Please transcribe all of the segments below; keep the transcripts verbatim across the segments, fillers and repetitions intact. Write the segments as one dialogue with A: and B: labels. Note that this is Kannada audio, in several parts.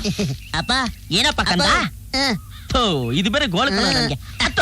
A: ಅಪ್ಪ
B: ಏನಪ್ಪ ಕಂದ ಥೋ ಇದು ಬೇರೆ ಗೋಳ ನನಗೆ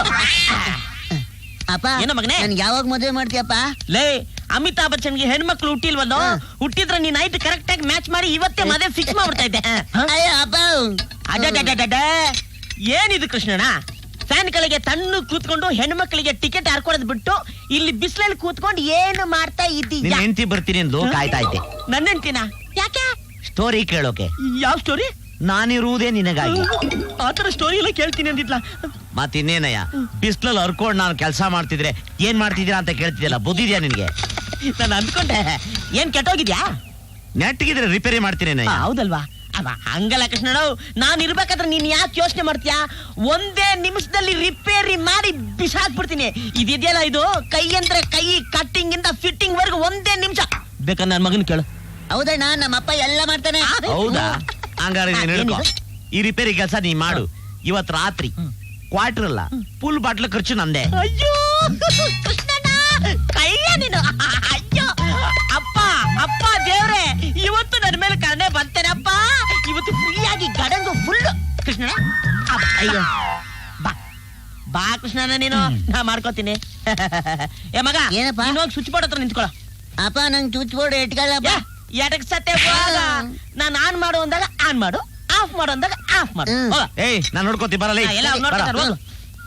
A: ಅಪ್ಪ
B: ಏನೋ ಮಗನೇ
A: ನನ್ಗೆ ಯಾವಾಗ ಮದುವೆ ಮಾಡ್ತೀಯಪ್ಪ
B: ಲೇ ಅಮಿತಾಬ್ ಬಚ್ಚನ್ಗೆ ಹೆಣ್ಮಕ್ಳು ಹುಟ್ಟಿಲ್ವಲ್ಲೋ ಹುಟ್ಟಿದ್ರೆ ನೀನ್ ನೈಟ್ ಕರೆಕ್ಟ್ ಆಗಿ ಮ್ಯಾಚ್ ಮಾಡಿ ಇವತ್ತೇ ಮದುವೆ ಫಿಕ್ಸ್ ಮಾಡ್ಬಿಡ್ತಾ ಇದ್ದೆ
A: ಅಯ್ಯೋ ಅಪ್ಪ
B: ಅಡ್ಡ ಏನಿದು ಕೃಷ್ಣಣ್ಣ ಫ್ಯಾನ್ ಗಳಿಗೆ ತಣ್ಣು ಕೂತ್ಕೊಂಡು ಹೆಣ್ಮಕ್ಳಿಗೆ ಟಿಕೆಟ್ ಹಾರ್ಕೊಳದ್ ಬಿಟ್ಟು ಇಲ್ಲಿ ಬಿಸಿಲಲ್ಲಿ ಕೂತ್ಕೊಂಡು ಏನು ಮಾಡ್ತಾ ಇದ್ದೀಯ
C: ಹೆಂಡತಿ ಬರ್ತೀನಿ ಎಂದು ಕಾಯ್ತಾ ಇದ್ದೆ.
B: ನನ್ನ ಹೆಂಡ್ತಿನ ಯಾಕೆ
C: ಸ್ಟೋರಿ ಕೇಳೋಕೆ.
B: ಯಾವ ಸ್ಟೋರಿ?
C: ನಾನಿರುವುದೇ ನಿನಗಾಗಿ.
B: ಆತರ ಸ್ಟೋರಿ ಎಲ್ಲ ಕೇಳ್ತೀನಿ ಅಂದಿದ್ಲ.
C: ಮತ್ತಿನ್ನೇನಯ್ಯ ಬಿಸಿಲಲ್ಲಿ ಹರ್ಕೊಂಡು ನಾನು ಕೆಲಸ ಮಾಡ್ತಿದ್ರೆ ಏನ್ ಮಾಡ್ತಿದ್ದೀರಾ ಅಂತ ಕೇಳ್ತಿದ್ಯಲ್ಲ, ಬುದ್ಧಿದ್ಯಾ ನಿನ್ಗೆ?
B: ನಾನು ಅನ್ಕೊಂಡೆ ಏನ್ ಕೆಟ್ಟೋಗಿದ್ಯಾ?
C: ನೆಟ್ಗಿದ್ರೆ ರಿಪೇರಿ ಮಾಡ್ತೀನಿ.
B: ಹೌದಲ್ವಾ? ಅವ ಹಂಗಲ್ಲ ಕೃಷ್ಣಣ್ಣ, ನಾನ್ ಇರ್ಬೇಕಾದ್ರೆ ನೀನ್ ಯಾಕೆ ಯೋಚನೆ ಮಾಡ್ತೀಯಾ? ಒಂದೇ ನಿಮಿಷದಲ್ಲಿ ರಿಪೇರಿ ಮಾಡಿ ಬಿಸಾಕ್ಬಿಡ್ತೀನಿ. ಇದಿದೆಯಲ್ಲ ಇದು ಕೈ ಅಂದ್ರೆ ಕೈ ಕಟ್ಟಿಂಗ್ ಇಂದ ಫಿಟ್ಟಿಂಗ್ ವರ್ಗು ಒಂದೇ ನಿಮಿಷ. ಬೇಕಾದ್ರೆ ನನ್ ಮಗನ್ ಕೇಳು.
A: ಹೌದಣ್ಣ, ನಮ್ಮಪ್ಪ ಎಲ್ಲ ಮಾಡ್ತಾನೆ.
C: ಹೌದಾ? ಹಂಗಾರೆ ಈ ರಿಪೇರಿ ಕೆಲಸ ನೀ ಮಾಡು. ಇವತ್ ರಾತ್ರಿ ಕ್ವಾರ್ಟರ್ ಅಲ್ಲ ಫುಲ್ ಬಾಟ್ಲ್ ಖರ್ಚು ನಂದೆ.
B: ಅಯ್ಯೋ ಕೃಷ್ಣಣ್ಣ, ಕೈಯ ನೀನು. ಅಯ್ಯೋ ಅಪ್ಪ ಅಪ್ಪ ದೇವ್ರೆ, ಇವತ್ತು ನನ್ನ ಮೇಲೆ ಕರ್ಣೆ ಬಂತೇನಪ್ಪ. ಇವತ್ತು ಫ್ರೀಯಾಗಿ ಗಡಂಗು ಫುಲ್. ಕೃಷ್ಣ ಅಯ್ಯೋ ಬಾ ಬಾ ಕೃಷ್ಣಣ್ಣ, ನೀನು ನಾ ಮಾಡ್ಕೋತೀನಿ. ಏ ಮಗ
A: ಏನಪ್ಪ?
B: ನೀನು ಹೋಗಿ ಸ್ವಿಚ್ ಬೋರ್ಡ್ ಹತ್ರ ನಿಂತ್ಕೊಳ್ಳೋ.
A: ಅಪ್ಪ ನಂಗೆ ಸ್ವಿಚ್ ಬೋರ್ಡ್ ಇಟ್ಕೊಳ್ಳಪ್ಪ.
B: ಎಡಕ್ ಸತ್ತೆ ನಾನು ಆನ್ ಮಾಡು ಅಂದಾಗ ಆನ್ ಮಾಡು, ಆಫ್ ಮಾಡು ಅಂದಾಗ ಆಫ್ ಮಾಡು.
C: ಏಯ್ ನಾನು ನೋಡ್ಕೋತಿ ಬರಲ್ಲ.
B: ಎಲ್ಲ ನೋಡ್ತಾರೆ ಹೋಗು.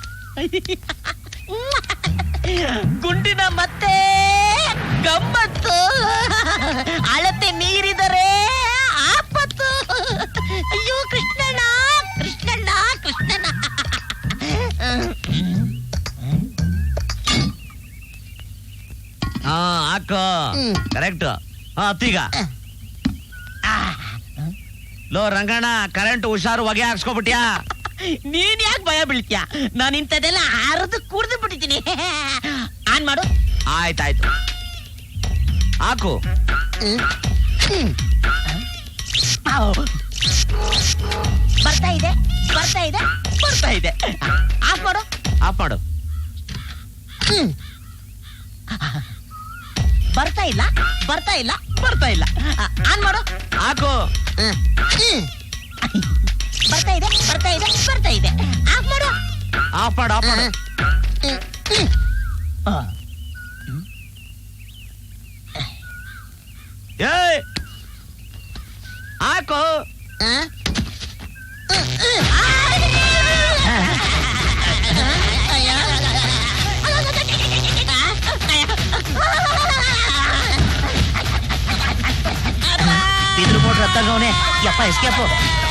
B: ಗುಂಡಿನ ಮತ್ತೆ ಗಮ್ಮತ್ತು, ಅಳತೆ ನೀರಿದರೆ ಆಪತ್ತು. ಅಯ್ಯೋ ಕೃಷ್ಣಣ್ಣ ಕೃಷ್ಣಣ್ಣ ಕೃಷ್ಣಣ್ಣ.
C: ಹಾ ಹಾಕೋ, ಕರೆಕ್ಟ್. ಹಾ ಅತ್ತೀಗ ಲೋ ರಂಗಣ್ಣ, ಕರೆಂಟ್ ಹುಷಾರು, ಹೊಗೆ ಹಾಕ್ಸ್ಕೊಬಿಟ್ಯಾ?
B: ನೀನ್ ಯಾಕೆ ಭಯ ಬೀಳ್ತೀಯ? ನಾನು ಇಂಥದ್ದೆಲ್ಲ ಅರ್ದು ಕುಡ್ದು ಬಿಟ್ಟಿದ್ದೀನಿ. ಆನ್ ಮಾಡು.
C: ಆಯ್ತಾಯ್ತು ಹಾಕು.
B: ಬರ್ತಾ ಇದೆ ಬರ್ತಾ ಇದೆ ಬರ್ತಾ ಇದೆ. ಆಫ್ ಮಾಡು.
C: ಆಫ್ ಮಾಡು.
B: ಬರ್ತಾ ಇಲ್ಲ ಬರ್ತಾ ಇಲ್ಲ ಬರ್ತಾ ಇಲ್ಲ. ಆನ್ ಮಾಡು.
C: ಹಾಕು.
B: ಬರ್ತಾ ಇದೆ ಬರ್ತಾ ಇದೆ ಬರ್ತಾ ಇದೆ. ಆಫ್ ಮಾಡು.
C: ಆಫ್ ಮಾಡು ಆಫ್ ಮಾಡು. ಏಯ್ ಹಾಕು.
B: ಇದ್ರ ಮೋಟ್ರ್ ಹತ್ತಂಗವನೆ. ಯಪ್ಪ ಎಸ್ಕೇಪು.